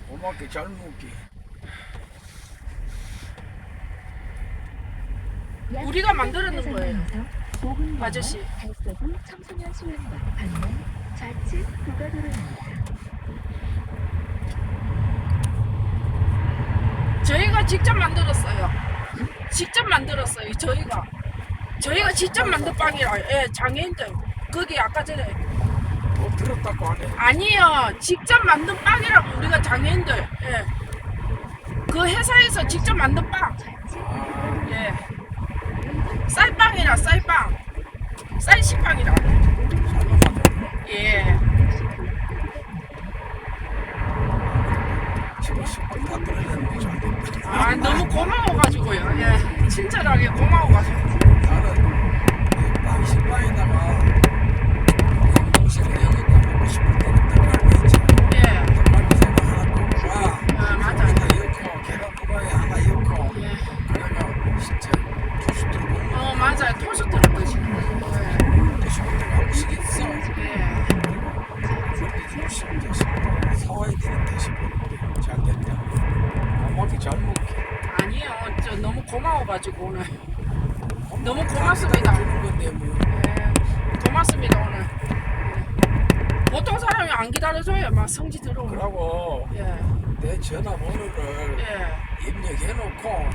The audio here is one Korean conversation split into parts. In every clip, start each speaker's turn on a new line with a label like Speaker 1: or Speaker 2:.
Speaker 1: 고맙게 잘 먹기.
Speaker 2: 우리가 만들어낸 거예요. 아저씨.
Speaker 3: 달서구 청소년 수련관 방면 좌측 고가도로입니다.
Speaker 2: 저희가 직접 만들었어요. 직접 만들었어요. 저희가 직접 만든 빵이라. 예, 장애인들. 거기 아까 전에
Speaker 1: 뭐 들었다고 하네.
Speaker 2: 아니요. 직접 만든 빵이라고 우리가 장애인들. 예. 그 회사에서 직접 만든 빵. 예. 쌀빵이라 쌀빵. 쌀시빵이라. 예.
Speaker 1: 지금 10분 다 떨어졌는데 잘 됐다.
Speaker 2: 아, 너무 고마워가지고요. 예. 친절하게 고마워가지고.
Speaker 1: 나는 빵 식빵에다가 음식을 여기다 먹고 싶을 때는 떡갈비 있지.
Speaker 2: 예.
Speaker 1: 떡갈비 새거 하나 꽂아.
Speaker 2: 아, 맞아.
Speaker 1: 하나 넣고 계란 후라이 하나 넣고.
Speaker 2: 예.
Speaker 1: 그래가 진짜 토스트로 먹는
Speaker 2: 맞아요. 토스트를 드시는 거예요.
Speaker 1: 토스트가 한식 있어.
Speaker 2: 예.
Speaker 1: 그런데 지금 진짜 식빵 사와야 되는데 싶었는데 잘 됐다. 고맙게 잘 먹게.
Speaker 2: 아니요. 저 너무 고마워가지고 오늘. 너무 고맙습니다.
Speaker 1: 주는 건데 뭐.
Speaker 2: 예. 고맙습니다 오늘. 예. 보통 사람이 안 기다려줘요. 막 성지 들어오고.
Speaker 1: 그러고
Speaker 2: 예.
Speaker 1: 내 전화번호를
Speaker 2: 예.
Speaker 1: 입력해놓고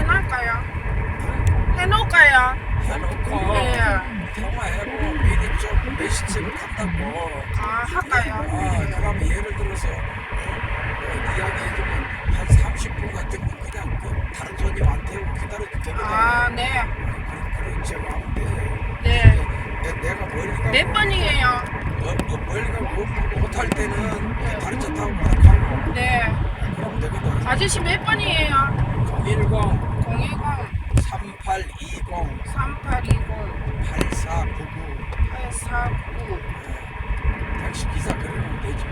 Speaker 2: 해놓을까요?
Speaker 1: 해놓고
Speaker 2: 예.
Speaker 1: 통화해고 미리 좀 메시지를 간다고.
Speaker 2: 아, 할까요?
Speaker 1: 그러면 예를 들어서 이야기해주면 한 30분 같은 거 그냥 그 다른 손님 안 태우고 기다려도 되거든.
Speaker 2: 아, 네.
Speaker 1: 그런 척 하면 돼.
Speaker 2: 네.
Speaker 1: 내가 멀리 가고
Speaker 2: 몇 번이에요?
Speaker 1: 멀리 가고 못할 때는 다른 차 타고 가라고.
Speaker 2: 네.
Speaker 1: 그러면 되거든.
Speaker 2: 아저씨 몇 번이에요?
Speaker 1: 010
Speaker 2: 010
Speaker 1: 3820
Speaker 2: 3820
Speaker 1: 8499
Speaker 2: 849.
Speaker 1: 택시 기사 그러면 되지.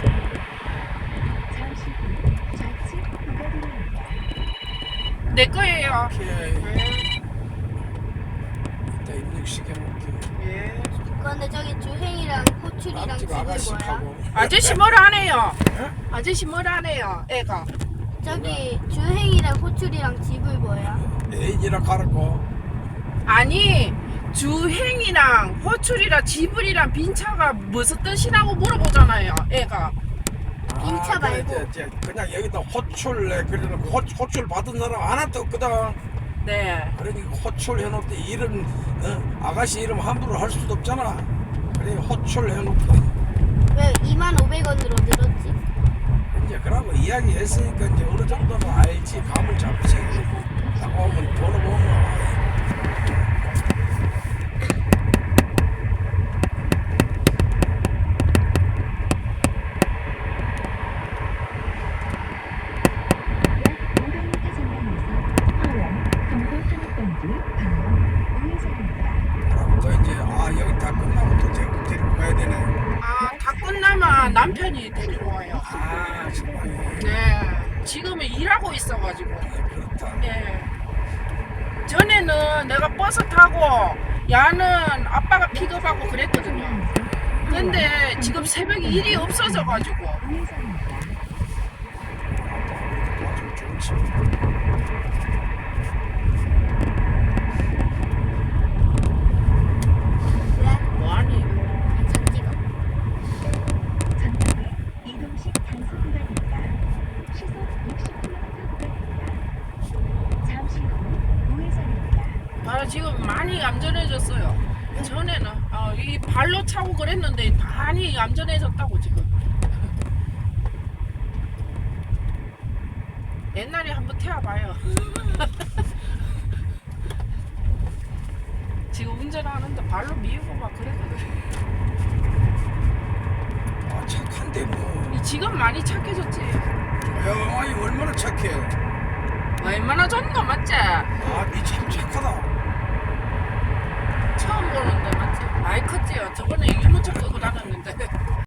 Speaker 3: 잠시 후 좌측 고가도로입니다.
Speaker 2: 내 거예요.
Speaker 1: 오케이.
Speaker 2: 네.
Speaker 1: 이따 입력시켜놓을게.
Speaker 2: 예.
Speaker 4: 그런데 저기 주행이랑 호출이랑
Speaker 1: 남집
Speaker 4: 집이 뭐야?
Speaker 1: 아가씨하고.
Speaker 2: 아저씨 뭘 안 해요?
Speaker 1: 예?
Speaker 2: 아저씨 뭘 안 해요? 애가.
Speaker 4: 저기 주행이랑 호출이랑 집을 뭐야?
Speaker 1: 애인이라 가라고.
Speaker 2: 아니 주행이랑 호출이랑 지불이랑 빈차가 무슨 뜻이라고 물어보잖아요. 애가.
Speaker 4: 빈차
Speaker 1: 그래,
Speaker 4: 말고.
Speaker 1: 그냥 여기다 호출래 그래놓고 호출 받은 사람 하나도 없거든.
Speaker 2: 네.
Speaker 1: 그러니까 호출 해놓을 때 이름 아가씨 이름 함부로 할 수도 없잖아. 그래 호출 해놓고
Speaker 4: 왜 2,500원으로 늘었지?
Speaker 1: 이제 그러고 이야기했으니까 이제 어느 정도는 알지. 감을 잡지. 나오면 돈을 보면 그럼 또 이제 여기 다 끝나고 또 데리고 가야 되네.
Speaker 2: 아, 다 끝나면 남편이 데리러 와요.
Speaker 1: 정말
Speaker 2: 네. 지금은 일하고 있어가지고.
Speaker 1: 그렇다.
Speaker 2: 예. 전에는 내가 버스 타고 야는 아빠가 픽업하고 그랬거든요. 근데 지금 새벽에 일이 없어져가지고.
Speaker 1: 아주 좋지.
Speaker 4: 왜?
Speaker 2: 뭐하니?
Speaker 4: 장지가.
Speaker 3: 전방에 이동식 단속 구간입니다. 시속 60km 구간입니다. 잠시 후 우회전입니다.
Speaker 2: 아, 지금 많이 얌전해졌어요. 전에는 이 발로 차고 그랬는데 많이 얌전해졌다고 지금. 옛날에 한번 태워봐요. 지금 운전하는데 발로 미우고 막 그랬거든.
Speaker 1: 착한데 뭐.
Speaker 2: 지금 많이 착해졌지.
Speaker 1: 야, 아이 얼마나 착해.
Speaker 2: 얼마나 좋노 맞지?
Speaker 1: 니 참 착하다.
Speaker 2: 처음 보는데 맞지? 많이 컸지요. 저번에 유모차 끄고 다녔는데.